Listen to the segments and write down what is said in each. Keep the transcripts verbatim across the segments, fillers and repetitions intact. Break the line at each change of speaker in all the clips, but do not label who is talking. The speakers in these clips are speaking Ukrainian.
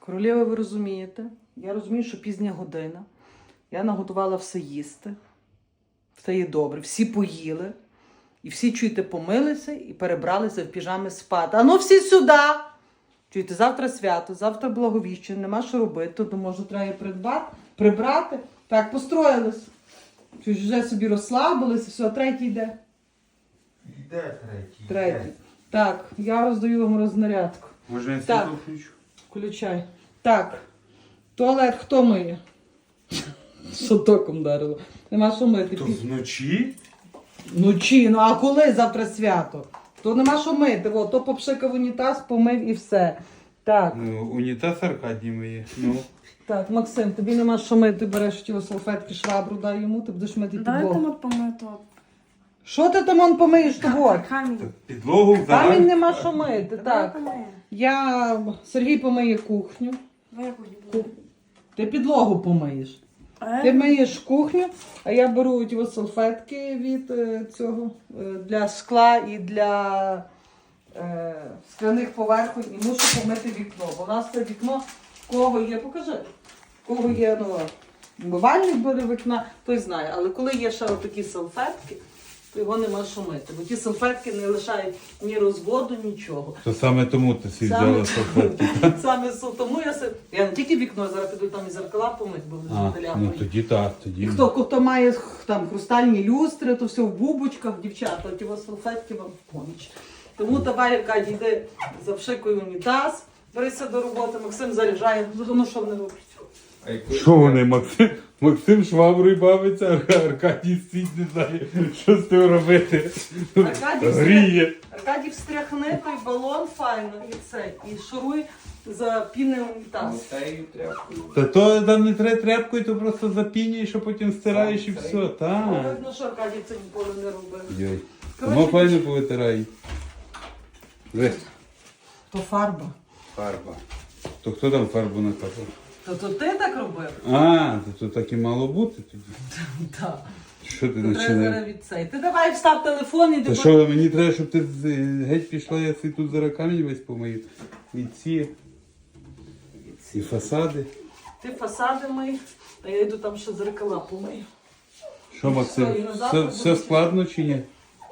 Королева, ви розумієте? Я розумію, що пізня година. Я наготувала все їсти. Все є добре. Всі поїли. І всі, чуєте, помилися і перебралися в піжами спати. А ну всі сюди! Чуєте, завтра свято, завтра Благовіщення, нема що робити, то може треба придбати, прибрати. Так, построїлись. Чуєш, вже собі розслабилися, все, третій йде.
Де третій?
Третій. Так, я роздаю вам рознарядку.
Може я
Так.
світло включу?
Включай. Так, туалет хто миє? Що током дарило? Нема що мити.
То
Пі-
вночі?
Вночі, ну а коли завтра свято? То нема що мити, о, то попшикав унітаз, помив і все. Так,
Ну, унітаз Аркадій миє. Ну.
так, Максим, тобі нема що мити, ти береш ті салфетки, швабру дай йому, ти будеш мити
Давайте
підлогу.
ми помито.
Що ти там он помиєш того?
Камінь.
Підлогу
Камінь
взагалі.
нема що мити,
Давай
так.
помиємо.
Я, Сергій помиє кухню,
Давай я кухню буду.
ти підлогу помиєш.
А
Ти
я-
миєш кухню, а я беру ті ось салфетки від е, цього, е, для скла і для е, скляних поверхонь і мушу помити вікно. Бо у нас це вікно, в кого є, покажи, в кого є ну, умивальник буде вікна, той знає. Але коли є ще отакі салфетки, то його нема що мити. Бо ті салфетки не лишають ні розводу, нічого.
То саме тому ти всі
Саме-
взяла салфетки.
Саме с- тому я се- я не тільки вікно, зараз піду там і зеркала помити, бо
А,
вже
ну тоді так, тоді.
і хто, хто має там хрустальні люстри, то все в бубочках, дівчата, ті ось салфетки вам в поміч. Тому давай, Аркадій, йди завшикуй унітаз, берися до роботи, Максим заряджає, ну що вони роблять?
Що вони, Максим? Максим шваброю бавиться, Ар- Аркадій стоїть, не знає, що з тим робити.
Аркадій
Гріє.
Аркадій встряхни той балон файно і цей, і шуруй за пінний унітаз.
Та то там не треба тряпкою, то просто запінюєш, а потім стираєш і все. Так.
Видно, що Аркадій це ніколи не робив.
Йой.
Коротше,
Тому файно повитирай. Ви.
То фарба.
Фарба. То хто там фарбу накапав?
То, то ти так робив?
А, то, то так і мало бути тоді.
Так.
Що ти
Треба
починаєш?
зараз від цей. Ти давай встав телефон і
Та
ти
що, мені треба, щоб ти з- геть пішла, я си тут зараз камінь весь помию. І ці, і фасади.
Ти фасади мий, а я йду там ще зеркала помию.
Що, Максим,
Все, і назад
все,
буде
все складно чи ні?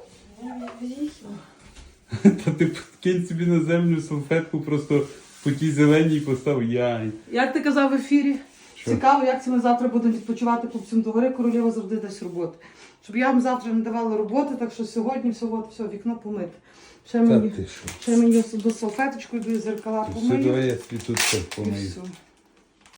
Та ти кинь собі на землю салфетку, просто по тій зеленій постав яй.
Як ти казав в ефірі?
Що?
Цікаво, як це ми завтра будемо відпочивати по всім догори, королева завжди дасть роботи. Щоб я вам завтра не давала роботи, так що сьогодні все, от, все вікно помити. Ще
Та
мені,
ти що?
ще мені до салфеточку йду і зеркала
Все,
помию.
давай я собі тут все
І
помию.
все.